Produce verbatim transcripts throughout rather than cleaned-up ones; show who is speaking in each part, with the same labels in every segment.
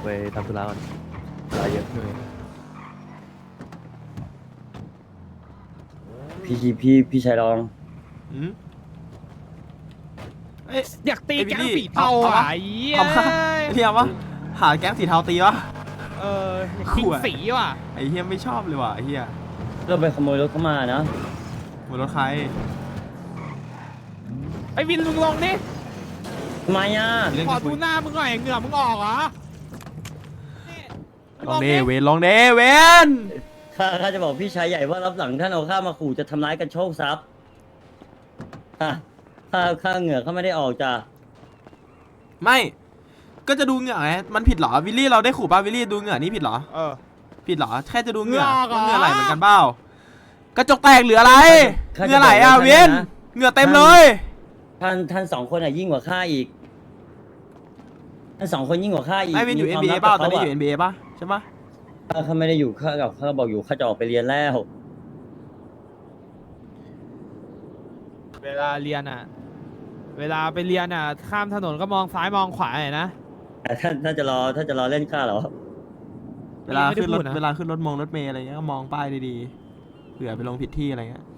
Speaker 1: ไปทำธุระก่อนเวลาเยอะเหนื่อย
Speaker 2: พี่พี่พี่ชายรอง
Speaker 3: อืมเอ้ย
Speaker 4: อยากตี
Speaker 3: ไอ้วิล
Speaker 4: แก๊ง
Speaker 3: ลี่
Speaker 4: สีเทา
Speaker 3: เอา
Speaker 4: อ่ะ
Speaker 3: เอาวะ
Speaker 4: ไอ้เหี้ย
Speaker 3: เอาปะเฮียวะหาแก๊งสีเทาตีวะ
Speaker 4: เอออยากทิ้งสีว่ะ
Speaker 3: ไอ้เฮียไม่ชอบเลยว่ะไอ้เฮีย
Speaker 2: เราไปขโมยรถเข้ามานะ
Speaker 3: บนรถใคร
Speaker 4: ไอ้วินลุงลงดิ
Speaker 2: ทำไมอ่ะ
Speaker 3: มีเรื่อง
Speaker 4: ขอ
Speaker 3: จะคุ
Speaker 4: ดู
Speaker 3: ย
Speaker 4: หน้ามึงหน่อยเหงื่อมึงออกเหรอนี่
Speaker 3: ลองเดเวนลองเดเวน
Speaker 2: ข้าข้าจะบอกพี่ชายใหญ่ว่ารับหลังท่านเอาข้ามาขู่จะทำร้ายกันโชคทรัพย์อ่ะข้าข้าเหงื่อเขาไม่ได้ออกจ้ะ
Speaker 3: ไม่ก็จะดูเหงื่อไงมันผิดเหรอวิลลี่เราได้ขู่ป่ะวิลลี่ดูเหงื่อนี่ผิดเหรอ
Speaker 4: เออ
Speaker 3: ผิดเหรอแค่จะดูเหงื่อ
Speaker 4: เหงื่อ
Speaker 3: ว่าเหงื่อ
Speaker 4: เหรอ
Speaker 3: ไหลเหมือนกันเปล่ากระจกแตกเหลืออะไร
Speaker 2: ข้า
Speaker 3: เห
Speaker 2: จะ
Speaker 3: งื่อไหลอ่ะ
Speaker 2: บก
Speaker 3: เวน
Speaker 2: ท่ะ
Speaker 3: เหงื่อเต็มเลย
Speaker 2: ท่านท่านสองคนอ่ะยิ่งกว่าข้าอีกท่านสองคนยิ่งกว่าข้าอีก
Speaker 3: ไอ้เวนอยู่
Speaker 2: มี
Speaker 3: เอ็
Speaker 2: คน วาม
Speaker 3: บีเอ
Speaker 2: ลับ
Speaker 3: เปล่า
Speaker 2: กับ
Speaker 3: ตอนนี้
Speaker 2: เขา
Speaker 3: อยู่ เอ็น บี เอ ป่ะใช่ป่ะ
Speaker 2: ข้าข้าไม่ได้อยู่ข้ากับข้าบอกอยู่ข้าจะออกไปเรียนแล้ว
Speaker 4: เวลาเรียนอ่ะ เวลาไปเรียนอ่ะ ข้ามถนนก็มองซ้ายมองขวาหน่อยนะ
Speaker 2: แต่ท่านท่านจะรอท่านจะรอเล่นข้าเหรอ
Speaker 3: เวลาขึ้นรถ
Speaker 4: ไม่ได้พูดนะ
Speaker 3: เวลาขึ้นรถมงรถเมล์อะไรเงี้ยก็มองป้ายดีๆเผื่อไปลงผิดที่อะไรเงี้ย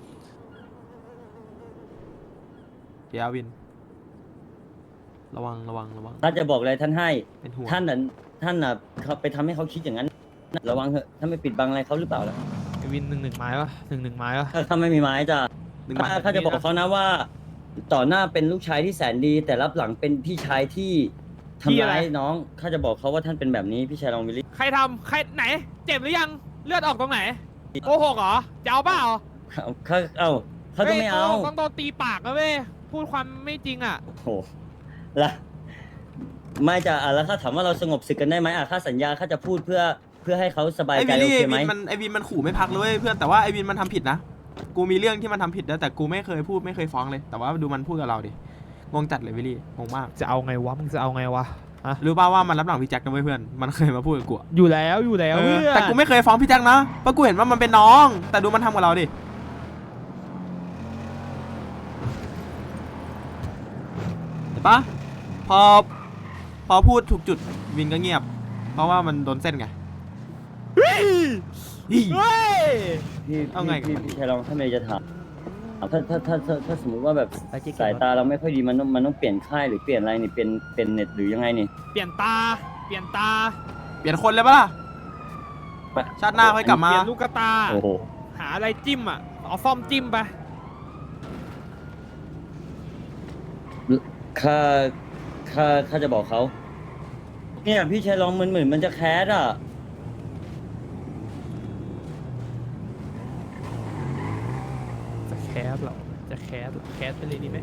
Speaker 3: เดี๋ยววิน ระวังระวังระวัง
Speaker 2: ท่านจะบอกอะไรท่านให้
Speaker 3: เป็นห่วง
Speaker 2: ท่านน่ะท่านน่ะเขาไปทำให้เขาคิดอย่างนั้นระวังเถอะท่านไม่ปิดบังอะไรเขาหรือเปล่าล่ะ
Speaker 4: ไอ้วินหนึ่งหนึ่งไม้ปะหนึ่งหนึ่งไม้ปะ
Speaker 2: ถ้าเขาไม่มีไม้จ้ะ
Speaker 3: หนึ่ง
Speaker 2: ข้า
Speaker 3: บาท
Speaker 2: ข้าจะบอกเขานะว่า ต่อหน้าเป็นลูกชายที่แสนดี แต่รับหลังเป็นพี่ชายที่ทำร้ายน้องข้าจะบอกเขาว่าท่านเป็นแบบนี้พี่ชายรองวิลลี่
Speaker 4: ใครทำใครไหน เจ็บหรือยัง เลือดออกตรงไหนโกหกเหรอจะเอาเปล่า
Speaker 2: เขาเขาเอ้าเขาก็ไม่เอา
Speaker 4: ฮ้ยโกหกต้องโดนตีปากนะเว้ย พูดความไม่จริงอ่ะ
Speaker 2: โอ้โหละไม่จะอ่ะแล้วข้าถามว่าเราสงบศึกกันได้ไหมอ่ะข้าสัญญาข้าจะพูดเพื่อเพื่อให้เขาสบาย
Speaker 3: ไอ
Speaker 2: ใจ
Speaker 3: วิน
Speaker 2: โอ
Speaker 3: ลี่
Speaker 2: เค
Speaker 3: ไอ
Speaker 2: ไหม
Speaker 3: วินมันไอวินมันขู่ไม่พักเลยเว้ยเพื่อนแต่ว่าไอวินมันทำผิดนะกูมีเรื่องที่มันทำผิดนะแต่กูไม่เคยพูดไม่เคยฟ้องเลย แต่ว่าดูมันพูดกับเราดิงงจัดเลยวิลลี่งงมาก
Speaker 4: จะเอาไงวะ มึงจะเอาไงวะฮะ
Speaker 3: รู้ป่าวว่ามันรับหลังพี่แจ็คนะเว้ยเพื่อนมันเคยมาพูดกับกูอะ
Speaker 4: อยู่แล้วอยู่แล้ว
Speaker 3: เออ
Speaker 4: เพื่อน
Speaker 3: แต่กูไม่เคยฟ้องพี่แจ็คนะเพราะกูเห็นว่ามันเป็นน้อง แต่ดูมันทำกับเราดิเห็นปะพอพอพูดถูกจุดวินก็เงียบ เพราะว่ามันโดนเส้นไง
Speaker 4: เฮ้ย
Speaker 3: อี
Speaker 4: เฮ้ย
Speaker 2: พี่
Speaker 3: เอาไง
Speaker 2: พี่พี่ชายรองถ้าไม่จะถามถ้าถ้าถ้าถ้าถ้าสมมติว่าแบบ
Speaker 4: ไปจิ๊ก
Speaker 2: สายตาเราไม่ค่อยดีมันต้องมันต้องเปลี่ยนค่ายหรือเปลี่ยนอะไรนี่เป็นเป็นเน็ตหรือยังไงนี่
Speaker 4: เปลี่ยนตา เปลี่ยนตา
Speaker 3: เปลี่ยนคนเลยปะล่ะ ชาติหน้าค่อยกลับมา
Speaker 4: เปลี่ยนลูกตา
Speaker 2: โอ้โห
Speaker 4: หาอะไรจิ้มอ่ะ เอาซ่อมจิ้มไป
Speaker 2: ข้าข้าข้าจะบอกเขาเนี่ยพี่ชายรองมันเหมือนมันจะแคสอ่ะ
Speaker 4: จะแคสเหรอ จะแคสเหรอแคสไปเลยดีไหม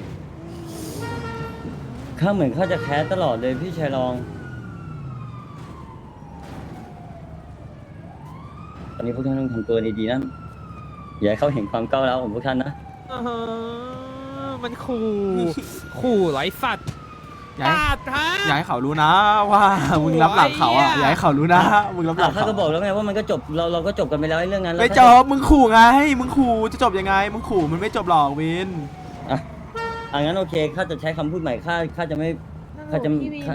Speaker 2: ข้าเหมือนข้าจะแคสตลอดเลยพี่ชายรอง ตอนนี้พวกท่านต้องทำตัวดีๆนะอย่าให้เขาเห็นความก้าวร้าวของพวกท่านนะ
Speaker 4: อื้อหือมันขู่ ขู่ไร้สัตว์
Speaker 3: อย่าให้
Speaker 4: ปาดฮะ
Speaker 3: อย่าให้เขารู้นะว่ามึงรับหลังเขาอ่ะ
Speaker 4: โอ้ย
Speaker 3: อย่าให้เขารู้นะมึงรับหลั
Speaker 2: อ่ะ
Speaker 3: ง
Speaker 2: ข้า
Speaker 3: เขา
Speaker 2: ก็บอกแล้วไงว่ามันก็จบเราเราก็จบกันไปแล้วไอ้เรื่องนั้นแล้ว
Speaker 3: ไม่
Speaker 2: ข้า
Speaker 3: จบมึงขู่ไงมึงขู่จะจบยังไงมึงขู่มันไม่จบหรอกวิน
Speaker 2: อ่ะอ่ะงั้นโอเคข้าจะใช้คำพูดใหม่ข้าข้าจะไม่ ข้าจะ
Speaker 5: พี่วิน
Speaker 2: ข้า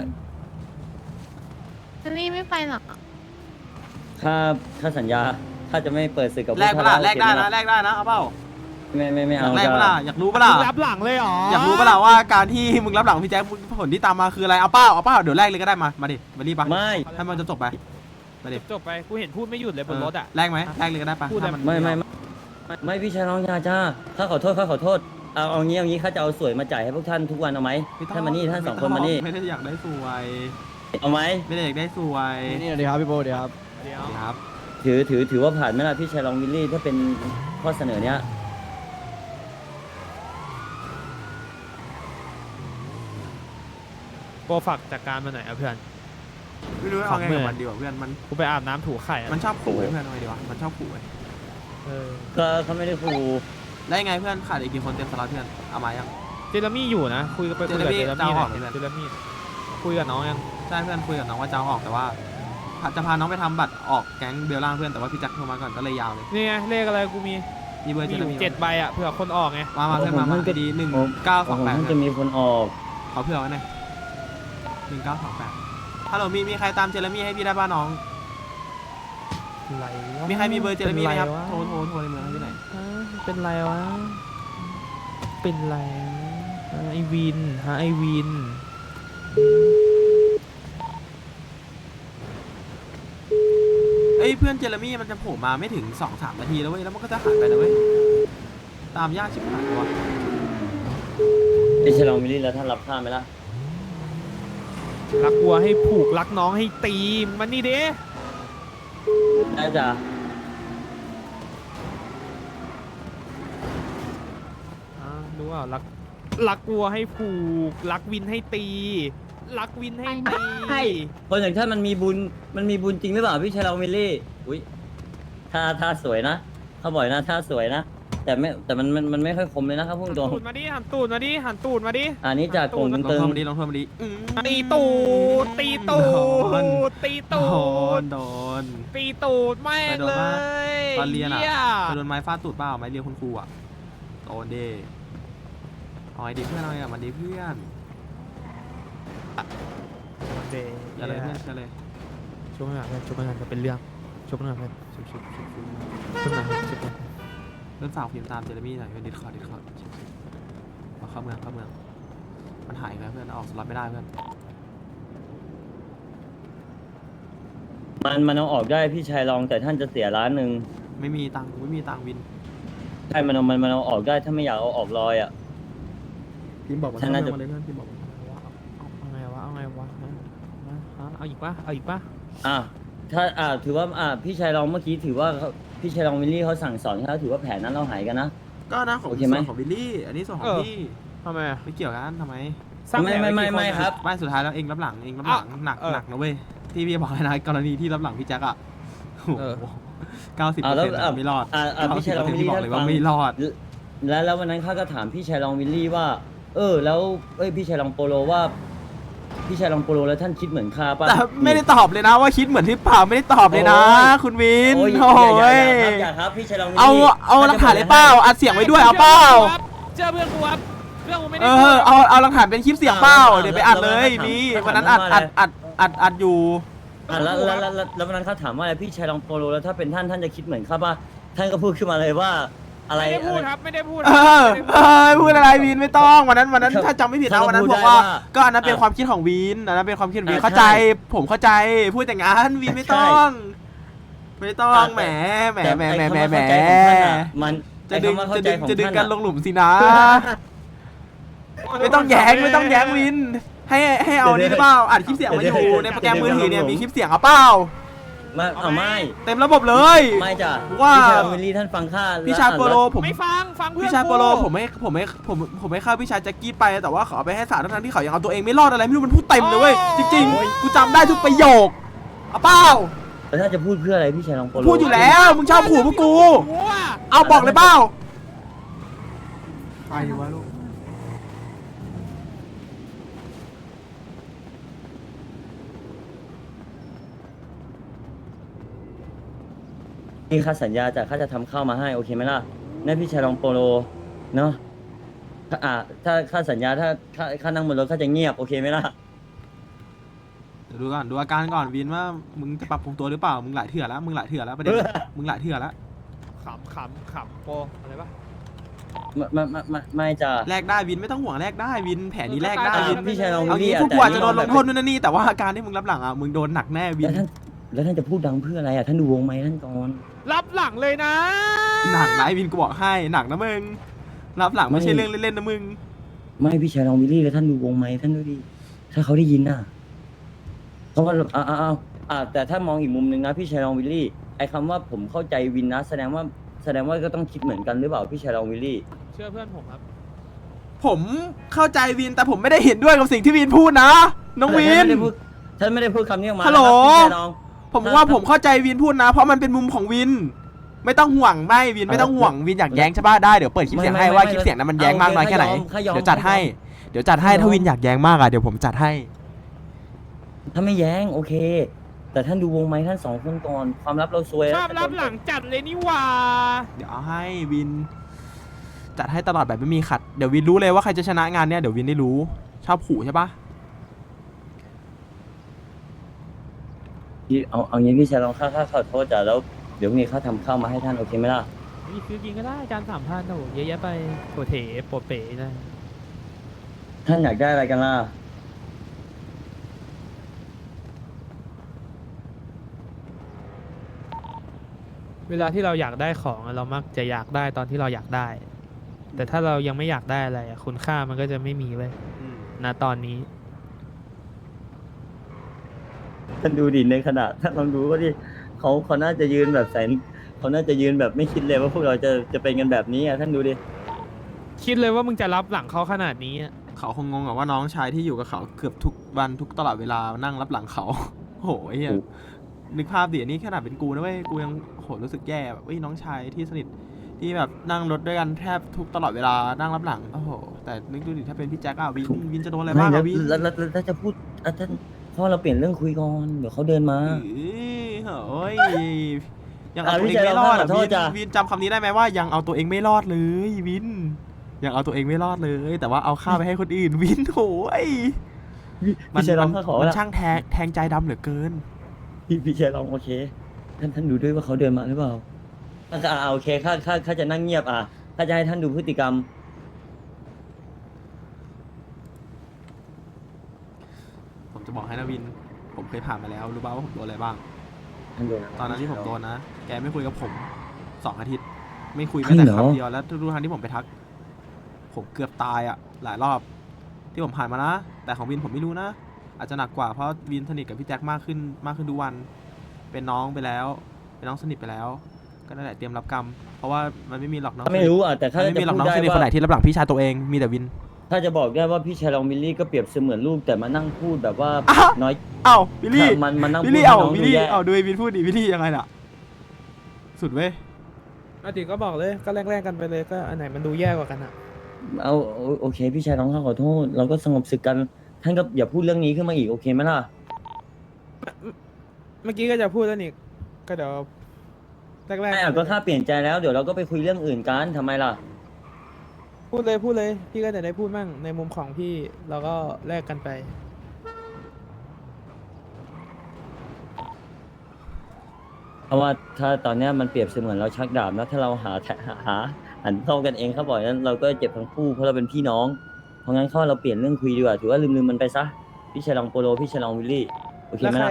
Speaker 5: ฮันนี่ไม่ไปหรอ
Speaker 2: ข้าข้าสัญญาข้าจะไม่เปิดศึกกับพว
Speaker 3: แลก
Speaker 2: ก
Speaker 3: เป
Speaker 2: ท่าน
Speaker 3: ล่าแลกได้
Speaker 2: โอเคหม
Speaker 3: นะแลกได้นะเอาเปล่า
Speaker 2: ไม่ไม่ไม่
Speaker 3: อยา
Speaker 2: เอา
Speaker 3: กแลก
Speaker 2: จ้ะ
Speaker 3: เปล่าอยากรู้เปล่า
Speaker 4: มึงรับหลังเลยเหรอ
Speaker 3: อยากรู้เปล่าว่าการที่มึงรับหลังพี่แจ็คผลที่ตามมาคืออะไรเอาเปล่าเอาเปล่าเดี๋ยวแลกเลยก็ได้มามาดิมารีบปะ
Speaker 2: ไม่
Speaker 3: ให้มันจะจบไปมาดิ
Speaker 4: จบไป กูเห็นพูดไม่หยุดเลยบนรถอ่ะ
Speaker 3: แลกไหมแลกเลยก็ได้ปะ
Speaker 4: พูดอะไร
Speaker 3: ถ้า
Speaker 2: ไม่ไม่ไม่ไม่ไม่พี่ชายน้องยาจ้าข้าขอโทษข้าขอโทษเอาเอางี้เอางี้ข้าจะเอาสวยมาจ่ายให้พวกท่านทุกวันเอาไหม
Speaker 3: ไต้อง
Speaker 2: ท่านมานี่ท่านสองคนมานี่
Speaker 3: ไม่ได้อยากได้สวย
Speaker 2: เอาไหม
Speaker 3: ไม่ได้อยากได้สวย
Speaker 1: นี่เดี๋ยวครับพี่โบเดี๋ยวครับ
Speaker 4: เดี๋ยว
Speaker 3: ครับ
Speaker 2: ถือถือถือว่าผ่านไหมล่ะพี่ชายรองวิลลี่ถ้าเป็นข้อเสนอเนี้ย
Speaker 4: โกฝากจัดการมาหน่อยอ่ะเพื่อน
Speaker 3: ไม่รู้เอาไงกับมันดีกว่าเพื่อนมัน
Speaker 4: กูไปอาบน้ำถูไข่อะ
Speaker 3: มันชอบขู่ไอ้เพื่อนเอาไงดีวะมันชอบขู่ไอ้
Speaker 4: เออ
Speaker 2: ก็เขาไม่ได้ขู่
Speaker 3: แล้วยังไงเพื่อนขาดอีกกี่คนเต็มสล็อตเพื่อนเอามายัง
Speaker 4: เจเรมี่อยู่นะ คุยกับไปคุยกับ
Speaker 3: เจ
Speaker 4: เจ
Speaker 3: เร
Speaker 4: เร
Speaker 3: มี่
Speaker 4: มี่
Speaker 3: จะเอา
Speaker 4: ห
Speaker 3: อ
Speaker 4: น่
Speaker 3: อก
Speaker 4: อย
Speaker 3: ไหม
Speaker 4: เจเรมี่คุยกับน้องยัง
Speaker 3: ใช่เพื่อนคุยกับน้องว่าจะเอาออกแต่ว่าจะพาน้องไปทำบัตรออกแก๊งเบลล่างเพื่อนแต่ว่าพี่แจ็คโทรมาก่อนก็เลยยาวเลย
Speaker 4: นี่ไงเลขอะไรกูมี
Speaker 3: มีเบอร์
Speaker 4: มี
Speaker 3: เจ
Speaker 4: อ
Speaker 3: เร
Speaker 4: ยู่
Speaker 3: มี่
Speaker 4: เจ็ดใบอ่ะเผื่อคนออกไง
Speaker 3: มามาเพื่อนมามาดีหนึ่งเก้าส
Speaker 2: ขอ
Speaker 3: อง ง
Speaker 2: ผม
Speaker 3: แปด
Speaker 2: ท่านจะมีคนออก
Speaker 3: ขอเพื่อไว้หน่อยหนึ่งเก้าสองแปดฮัลโหลมีมีใครตามเจเรมี่ให้พี่ได้บ้างน้อง
Speaker 4: อะไรวะ
Speaker 3: มีใครมีเบอร์เจเรมี่ไหมครับ
Speaker 4: ป็น
Speaker 3: โทร
Speaker 4: วะ
Speaker 3: โทรโทรในเมืองให้พี่หน่อย
Speaker 4: ฮะเป็นไรวะ เป็นไรฮะไอวินฮะไอวิน
Speaker 3: เอ้ยเพื่อนเจเรมี่มันจะโผล่มาไม่ถึงสองสามนาทีแล้วเว้ยแล้วมันก็จะหายไปนะเว้ยตามยากชิบหายวะ
Speaker 2: พี่ชายลองวิลลี่แล้วท่านรับข้าไหมล่ะ
Speaker 4: รักวัวให้ผูกรักน้องให้ตีมันนี่เด้
Speaker 2: ได้จ้ะ
Speaker 4: อ่าดูว่ารักรักวัวให้ผูกรักวินให้ตี รักวินให้ตี
Speaker 2: คนอย่างท่านมันมีบุญมันมีบุญจริงหรือเปล่าพี่ชายลองวิลลี่อุ้ยท่าท่าสวยนะเขาบ่อยนะท่าสวยนะแต่ไม่แต่มันมันมันไม่ค่อยคมเลยนะครับพุ่ง
Speaker 4: หัน
Speaker 2: ตรง
Speaker 4: ตูดมาดิหันตูดมาดิหันตูดมาดิ
Speaker 2: อันนี้จากกง
Speaker 3: ลอง
Speaker 2: ตึง
Speaker 3: โทรมาดีลองโทรมาดีอืม
Speaker 4: ตีตูดตีตูดตี
Speaker 3: โด
Speaker 4: ตู
Speaker 3: น
Speaker 4: ด
Speaker 3: โดน
Speaker 4: ตีตูดแม่งเลย
Speaker 3: ตอนเรียนอ่ะ
Speaker 4: หี้
Speaker 3: ไปโดนไม้ฟาดตูดเปล่าไม้เรียนคุณครูอ่ะโดนเด้เอาไอ้ดีเพื่อนเอาไงกับมันดีเพื่อน
Speaker 4: เดย์
Speaker 3: อย่าเลยเพื่อนอย่าเลย
Speaker 4: ช่วงหน้าเพื่อนช่วงหน้าจะเป็นเรื่องช่วงหน้าเพื่อน
Speaker 3: ชุบชุบชุบชุบ
Speaker 4: ช่วงหน้าเพื่อนช่วงหน้า
Speaker 3: เริ่มฝากพิมพ์ตามเจเรมี่หน่อยเพื่อนดิสคอร์ดดิสคอร์ดชุบชุบเอาเข้าเมืองเข้าเมืองมันหายไปแล้วเพื่อนออกสล็อตไม่ได้เพื่อน
Speaker 2: มันมันเอาออกได้พี่ชายลองแต่ท่านจะเสียล้านหนึ่ง
Speaker 3: ไม่มีตังค์ไม่มีตังค์วิน
Speaker 2: ใช่มันเอามันมันเอาออกได้ถ้าไม่อยากเอาออกลอยอ่ะ
Speaker 3: พิมพ์บอกมัน
Speaker 2: ฉันน่าจะ
Speaker 3: มาเลยเพื่อนพิมพ์บอกมัน
Speaker 4: เอาไงวะเอาไงวะฮะฮะเอาอีกปะเอาอีกปะ
Speaker 2: อ่ะถ้าอ่าถือว่าอ่าพี่ชายลองเมื่อกี้ถือว่าเขาพี่ชายลองวิลลี่เขาสั่งสอนเขาถือว่าแผนนั้นเราหายกันนะ
Speaker 3: ก็นะของ
Speaker 2: โอเค
Speaker 3: ส่
Speaker 2: ไหม
Speaker 3: วนของวิลลี่ อันนี้ส่วนของพี่
Speaker 4: ทำไมอะ
Speaker 3: ไม่เกี่ยวกันทำไม
Speaker 4: สร้าง
Speaker 2: ไม่
Speaker 4: แผน
Speaker 2: ไม่
Speaker 4: ว้
Speaker 2: ไม่
Speaker 4: กี่
Speaker 2: ไม่
Speaker 4: นอะ
Speaker 2: ครับ
Speaker 3: ไม่สุดท้ายแล้วเองรับหลังเองรับหลังหนัก
Speaker 4: เออ
Speaker 3: หนักนะเว้ยที่พี่บอกเลยนะกรณีที่รับหลังพี่แจ็คอะ
Speaker 4: เออ
Speaker 3: เก้าสิบเปอ
Speaker 2: อ่า
Speaker 3: ร์
Speaker 2: แล้ว
Speaker 3: เซ็นต์
Speaker 2: อ่า
Speaker 3: ไม่รอด
Speaker 2: อ่าอ่าพี่ชายลองวิล
Speaker 3: ที่
Speaker 2: ลี่
Speaker 3: บอก
Speaker 2: ท่าน
Speaker 3: เลย
Speaker 2: ฟั
Speaker 3: ว่าง ไม่รอด
Speaker 2: แล้วแล้ววันนั้นข้าก็ถามพี่ชายลองวิลลี่ว่า เออ แล้วเอ้ยพี่ชายลองโปโลว่า พี่ชายลองโปโลแล้วท่านคิดเหมือนข้าป่ะ
Speaker 3: แต่ไม่ได้ตอบเลยนะว่าคิดเหมือนที่เปล่าไม่ได้ตอบเลยนะ
Speaker 2: โอ้ย
Speaker 3: คุณวิน
Speaker 2: โอ้ย
Speaker 3: โอ้
Speaker 2: อย่าอย่าอย่าย อย่าครับพี่ชายลองวิลลี่
Speaker 3: เอาเอาหลักฐานเลยเปล่าอัดเสียงไว้ด้วยเอาเปล่า
Speaker 4: เจอเพื่อนกูครับเพื่อนกูไม่ได้
Speaker 3: เอ
Speaker 4: พูด
Speaker 3: อเอาเอาหลักฐานเป็นคลิปเสียงเปล่าเดี๋ยวไปอัดเลยมีวันนั้นอัดอัดอัดอัดอัดอยู่
Speaker 2: อ่ะแล้วแล้วแล้วแล้วแล้ววันนั้นเขาถามว่าอะไรพี่ชายลองโปโลแล้วถ้าเป็นท่านท่านจะคิดเหมือนข้าป่ะท่านก็พูดขึ้นมาเลยว่าอะไร
Speaker 4: ไม่ได้พูด
Speaker 2: อะไร
Speaker 4: ครับไม่ได้พูด
Speaker 3: เออเออพูดอะไรวินไม่ต้องวันนั้นวันนั้น
Speaker 2: เขา
Speaker 3: ถ้าจำไม่ผิดนะ
Speaker 2: เขา
Speaker 3: วันนั้น
Speaker 2: พู
Speaker 3: บ
Speaker 2: ด
Speaker 3: อกว่า
Speaker 2: ได้ว่า
Speaker 3: ก็อันนั้นเป็น
Speaker 2: อ่ะ
Speaker 3: ความคิดของวินอันนั้นเป็นความคิดของวิน
Speaker 2: อ่ะ
Speaker 3: เข้าใจ
Speaker 2: ใช่
Speaker 3: ผมเข้าใจพูดแต่งั้นวินไม่ต้อง ไม่ต้อง
Speaker 2: อ่ะ
Speaker 3: แหมแหม
Speaker 2: แต่
Speaker 3: แหม
Speaker 2: ไอ้
Speaker 3: แหม
Speaker 2: คำ
Speaker 3: แหม
Speaker 2: ว่า
Speaker 3: แหม
Speaker 2: เข้าใจของท่านอ่ะมัน
Speaker 3: จะดึง
Speaker 2: ไอ้คำว่า
Speaker 3: จะ
Speaker 2: เข้าใจ
Speaker 3: ดึง
Speaker 2: ของ
Speaker 3: จะดึง
Speaker 2: ท่าน
Speaker 3: กัน
Speaker 2: อ่ะ
Speaker 3: ลงหลุมสินะ ไม่ต้องแย้งไม่ต้องแย้งวิน ให้ให้เอานี่หรือเปล่าอัดคลิปเสียงมาอยู่ในโปรแกรมมือถือเนี่ยมีคลิปเสียงเอาเปล่า
Speaker 2: ไม่เอาไม่
Speaker 3: เต็มระบบเลย
Speaker 2: ไม่จ้ะ
Speaker 3: ว่า
Speaker 2: พี่ชายลองวิลลี่ท่านฟังข้า
Speaker 3: พี่ชายโปโลผม
Speaker 4: ไม่ฟังฟังเพื่อน
Speaker 3: พี่ชายโปโล
Speaker 4: กู
Speaker 3: ผมไม่ผมไม่ผมผมไม่เข้าพี่ชายแจ็คกี้ไปแต่ว่าเขาเอาไปให้สารทั้งๆที่เขายังเอาตัวเองไม่รอดอะไรไม่รู้มันพูดเต็มเลยเว้ยจริงๆกูจำได้ทุกประโยคเอาเปล่า
Speaker 2: แล้วถ้าจะพูดเพื่ออะไรพี่ชายลองโปโล
Speaker 3: พูดอยู่แล้วมึงชอบขู่พวกกู
Speaker 4: กูอะ
Speaker 3: เอาบอกเลยเปล่าไปวะลูก
Speaker 2: นี่ข้าสัญญาจ้ะข้าจะทำข้าวมาให้โอเคไหมล่ะนั่นพี่ชายลองโปโลเนาะถ้าอ่าถ้าข้าสัญญาถ้าข้าข้านั่งบนรถข้าจะเงียบโอเคไหมล่ะ
Speaker 3: เดี๋ยวดูก่อนดูอาการก่อนวินว่ามึงจะปรับปรุงตัวหรือเปล่ามึงหลายเถื่อแล้วมึงหลายเถื่อแล้วประเด็นมึงหลายเถื่อแล้ว
Speaker 4: ขำขำขำโปอะไรปะ
Speaker 2: ไม่ไม่ไม่ไม่ไม่จ้ะ
Speaker 3: แลกได้วินไม่ต้องห่วงแลกได้วินแผนนี้แลกได้
Speaker 2: อ่า
Speaker 3: วิน
Speaker 2: พี่ชายลอง
Speaker 3: เอา
Speaker 2: วิล
Speaker 3: งี้
Speaker 2: ลี่
Speaker 3: พวก
Speaker 2: แต่
Speaker 3: กูอาจจะโดนลงโทษ
Speaker 2: แบบ
Speaker 3: นู่นนนนี่แต่ว่าอาการที่มึงรับหลังอ่ะมึงโดนหนักแน่วิ
Speaker 2: แล้ว
Speaker 3: น
Speaker 2: ท่านแล้วท่านจะพูดดังเพื่ออะไรอ่ะท่านดูวงไหมท่านก่อน
Speaker 4: รับหลังเลยนะ
Speaker 3: หนักนะไอ้วินกูบอกให้หนักนะมึงรับหลังไม่ใช่เรื่องเล่นๆนะมึง
Speaker 2: ไม่พี่ชายลองวิลลี่แล้วท่านดูวงไหมท่านดูดิถ้าเขาได้ยินน่ะเพราะว่าอ่าอ่าอ่าอ่าแต่ถ้ามองอีกมุมหนึ่งนะพี่ชายลองวิลลี่ไอ้คำว่าผมเข้าใจวินนะแสดงว่าแสดงว่าก็ต้องคิดเหมือนกันหรือเปล่าพี่ชายลองวิลลี่
Speaker 4: เชื่อเพื่อนผมครับ
Speaker 3: ผมเข้าใจวินแต่ผมไม่ได้เห็นด้วยกับสิ่งที่วินพูดนะน้องวิน
Speaker 2: ท่านไม่ได้พูดคำนี้ออกมา
Speaker 3: ฮัลโหล
Speaker 2: นะครับพี่ชายลอง
Speaker 3: ผมว่าผมเข้าใจวินพูดนะ เพราะมันเป็นมุมของวิน ไม่ต้องห่วงไม่วินไม่ต้องห่วงวินอยากแย้งใช่ป่ะได้เดี๋ยวเปิดคลิปเสียงให้ว่าคลิปเสียงนั้นมันแย้งมากน้อยแค่ไหนเดี๋ยวจัดให้เดี๋ยวจัดให้ถ้าวินอยากแย้งมากอ่ะเดี๋ยวผมจัดให้
Speaker 2: ถ้าไม่แย้งโอเค แต่ท่านดูวงไหมท่านสองคนก่อนความลับเราซวย
Speaker 4: ชอบรับหลังจัดเลยนี่หว่า
Speaker 3: เดี๋ยวเอาให้วิน จัดให้ตลอดแบบไม่มีขัดเดี๋ยววินรู้เลยว่าใครจะชนะงานเนี้ยเดี๋ยววินได้รู้ชอบขู่ใช่ปะ
Speaker 2: พี่เอาเอางี้พี่ชายลองค่าค่าขอโทษจ้ะแล้วเดี๋ยวพรุ่งนี้ข้าทำข้าวมาให้ท่านโอเคไหมล่ะ
Speaker 4: มีซื้อกินก็ได้จานสามพันโอ้โหเยอะแยะไปโปรเถโปรเป๋นะ
Speaker 2: ท่านอยากได้อะไรกันล่ะ
Speaker 4: เวลาที่เราอยากได้ของอะเรามักจะอยากได้ตอนที่เราอยากได้ แต่ถ้าเรายังไม่อยากได้อะไรอะคุณค่ามันก็จะไม่มีเว้ย
Speaker 3: อืม
Speaker 4: ณตอนนี้
Speaker 2: ท่านดูดิในขณะท่านลองดูว่าดิเขาเขาน่าจะยืนแบบแสนเขาน่าจะยืนแบบไม่คิดเลยว่าพวกเราจะจะเป็นกันแบบนี้อ่ะท่านดูดิ
Speaker 4: คิดเลยว่ามึงจะรับหลังเขาขนาดนี้อะ
Speaker 3: เขาคงงงอะว่าน้องชายที่อยู่กับเขาเกือบทุกวันทุกตลอดเวลานั่งรับหลังเขา โอ้โหไอ้เหี้ยนึกภาพดิอันนี้ขนาดเป็นกูนะเว้ยกูยังโหรู้สึกแย่แบบเฮ้ยน้องชายที่สนิทที่แบบนั่งรถด้วยกันแทบทุกตลอดเวลานั่งรับหลังโอ้โหแต่นึกดูดิถ้าเป็นพี่แจ็คอะวินวินจะโดนอะไรบ้าง
Speaker 2: ไม่
Speaker 3: อะวิน
Speaker 2: แล้วแล้วแล้วแล้วจะพูดอ่ะท่านพ่อเราเปลี่ยนเรื่องคุยก่อนเดี๋ยวเขาเดินมา
Speaker 3: เอ้ยเฮ้ยยังเอา
Speaker 2: อ่ะ
Speaker 3: ตัว
Speaker 2: พี่
Speaker 3: เองไม่รอด
Speaker 2: ใจ
Speaker 3: อะ
Speaker 2: เราขอโท
Speaker 3: วิ
Speaker 2: ษ
Speaker 3: น
Speaker 2: จ้ะ
Speaker 3: วินจำคำนี้ได้ไหมว่ายังเอาตัวเองไม่รอดเลยวินยังเอาตัวเองไม่รอดเลย แต่ว่าเอาข้าวไปให้คนอื่นวินโถย
Speaker 2: พี่
Speaker 3: มัน
Speaker 2: พี่ชายล
Speaker 3: มั
Speaker 2: อง
Speaker 3: น
Speaker 2: ข้าขอ
Speaker 3: มัน
Speaker 2: ละ
Speaker 3: ช่างแทงแทงใจดำเหลือเกิน
Speaker 2: พี่พี่ชายลองโอเค ท่านท่านดูด้วยว่าเขาเดินมาหรือเปล่าอ่ะอ่ะโอเคข้าข้าข้าจะนั่งเงียบอ่ะข้าจะให้ท่านดูพฤติกรรม
Speaker 3: ผมจะบอกให้นะวิน ผมเคยผ่านมาแล้วรู้ป่าวว่าผมโดนอะไรบ้าง
Speaker 2: ท่านดูะ
Speaker 3: ตอนนั้นที่ผมโดนนะ แกไม่คุยกับผมสองอาทิตย์ ไม่คุย
Speaker 2: ใช่
Speaker 3: แม้แต่
Speaker 2: เหรอ
Speaker 3: คำเดียวแล้วทุกๆครั้งที่ผมไปทัก ผมเกือบตายอ่ะ หลายรอบที่ผมผ่านมานะ แต่ของวินผมไม่รู้นะ อาจจะหนักกว่าเพราะวินสนิทกับพี่แจ็คมากขึ้นมากขึ้นทุกวัน เป็นน้องไปแล้ว เป็นน้องสนิทไปแล้ว ก็นั่นแหละเตรียมรับกรรม เพราะว่ามันไม่มีหรอกน้อง
Speaker 2: ข้าไม่รู้อ่ะแต่
Speaker 3: มั
Speaker 2: ข้าน
Speaker 3: ไม่
Speaker 2: จะ
Speaker 3: มีหรอก
Speaker 2: พู
Speaker 3: น้
Speaker 2: ด
Speaker 3: อง
Speaker 2: ได้
Speaker 3: สนิทคนไหน
Speaker 2: ว่า
Speaker 3: ที่รับหลังพี่ชายตัวเอง มีแต่วิน
Speaker 2: ถ้าจะบอกได้ว่าพี่ชายลองมิลลี่ก็เปรียบเสมือนลูกแต่มานั่งพูดแบบว่า
Speaker 3: อ้าว
Speaker 2: น้อย
Speaker 3: เอ้าวิลลี่
Speaker 2: มันมันนั่ง
Speaker 3: วิ
Speaker 2: พู
Speaker 3: ล
Speaker 2: ด
Speaker 3: ลี่
Speaker 2: ให้
Speaker 3: เอ้า
Speaker 2: น้อง
Speaker 3: วิล
Speaker 2: ดู
Speaker 3: ลี่
Speaker 2: แย่
Speaker 3: เอ้าดูไอ้วินพูดดิวิลลี่ยังไงน่ะ สุดเว้ย
Speaker 4: อาทิตย์ก็บอกเลยก็แลกๆกันไปเลยก็อันไหนมันดูแย่กว่ากันอะ
Speaker 2: เอาโอโอเค พี่ชายน้องข้าขอโทษ เราก็สงบศึกกัน ท่านก็อย่าพูดเรื่องนี้ขึ้นมาอีกโอเคไหมล่ะ
Speaker 4: เมื่อกี้ก็จะพูดแล้วนี่ก็เดี๋ยวแรก
Speaker 2: ไม่
Speaker 4: ๆ
Speaker 2: อ่ะก็ข้าเปลี่ยนใจแล้วเดี๋ยวเราก็ไปคุยเรื่องอื่นกันทำไมล่ะ
Speaker 4: พูดเลยพูดเลยพี่ก็จะได้พูดมั่งในมุมของพี่เราก็แลกกันไป
Speaker 2: เพราะว่าถ้าตอนเนี้ยมันเปรียบเสมือนเราชักดาบนะถ้าเราหาหาหาหันเข้ากันเองเขาบอกนั้นเราก็เจ็บทั้งคู่เพราะเราเป็นพี่น้อง เพราะงั้นข้อเราเปลี่ยนเรื่องคุยดีกว่าถือว่าลืมลืมมันไปซะพี่ชายลองโปโลพี่ชายลองวิลลี่โอเค
Speaker 4: แล้ว
Speaker 2: ไหม
Speaker 4: ใคร
Speaker 2: ล่ะ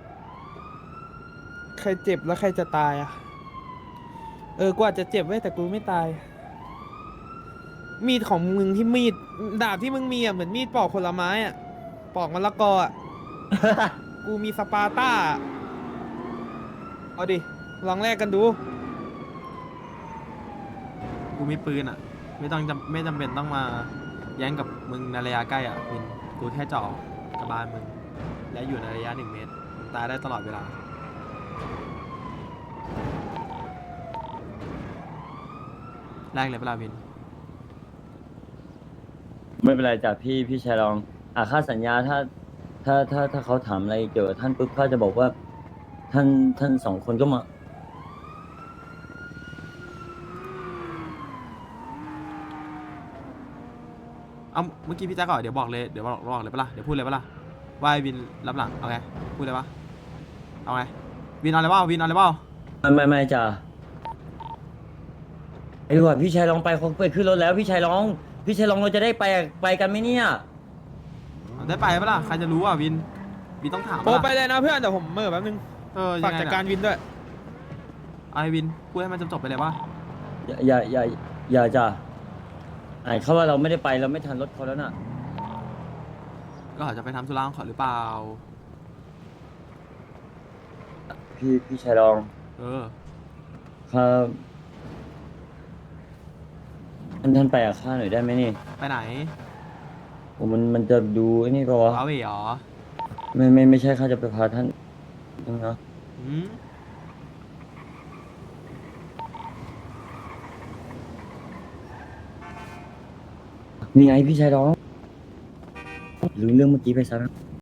Speaker 4: ใครเจ็บแล้วใครจะตายอ่ะ เออกูอาจจะเจ็บไว้ยแต่กูไม่ตาย มีดของมึงที่มีดดาบที่มึงมีอ่ะเหมือนมีดปอกผลไม้อ่ะปอกมะละกออ่ะ กูมีสปาร์ต้าอะเอาดิลองแลกกันดู
Speaker 3: กูมีปืนอ่ะ ไม่ต้องจำไม่จำเป็นต้องมาแย้งกับมึงในระยะใกล้อ่ะวินกูแค่เจ่อกระบาลมึง และอยู่ในระยะหนึ่งเมตรมึงตายได้ตลอดเวลา แรกเลยเวลาวิน
Speaker 2: ไม่เป็นไรจ้ะพี่พี่ชายลองอ่ะค่าสัญญาถ้า ถ้าถ้าถ้าเขาถามอะไรเกี่ยวกับท่านปุ๊บข้าจะบอกว่า ท่านท่านสองคนก็มา
Speaker 3: เอาเมื่อกี้พี่แจ๊คก่อนเดี๋ยวบอกเลยเดี๋ยวบอกบอกเลยปะล่ะเดี๋ยวพูดเลยปะล่ะว่าไอ้วินรับหลังเอาไงพูดเลยปะเอาไงวินเอาอะไรเปล่าวินเอาอะไรเปล่า
Speaker 2: ไม่ไม่ไม่จ้ะไอ้หว่าพี่ชายลองไปเขาไปขึ้นรถแล้วพี่ชายลอง พี่ชายลองเราจะได้ไปไปกันไหมเนี่ย
Speaker 3: เอาได้ไปปะล่ะใครจะรู้อ่ะวินวินต้องถาม
Speaker 4: โอ้
Speaker 3: ปะ
Speaker 4: ไป
Speaker 3: ล่ะ
Speaker 4: เลยนะเพื่อนเดี๋ยวผมเมื่อแป๊บนึง
Speaker 3: เออยั
Speaker 4: ฝาก
Speaker 3: งไง
Speaker 4: จัด
Speaker 3: น่ะ
Speaker 4: การวินด้วย
Speaker 3: เอาไอ้วินพูดให้มันจบๆไปเลยปะ
Speaker 2: อย่าอย่าอย่าอย่าจ้ะไอ้เขาว่าเราไม่ได้ไปเราไม่ทันรถเขาแล้วน่ะ
Speaker 3: ก็อาจจะไปทำธุระของเขาหรือเปล่า
Speaker 2: พี่พี่ชายลอง
Speaker 3: เออ
Speaker 2: ครับท่านท่านไปกับข้าหน่อยได้ไหมนี่
Speaker 3: ไปไหน
Speaker 2: โอ้มันมันจะดูไอ้นี่ปะวะ
Speaker 3: ว้าเหวเหรอ
Speaker 2: ไม่ไม่ไม่ใช่ข้าจะไปพาท่านนะ
Speaker 3: อืม
Speaker 2: นี่ไงพี่ชายลองลืมเรื่องเมื่อกี้ไปซะนะ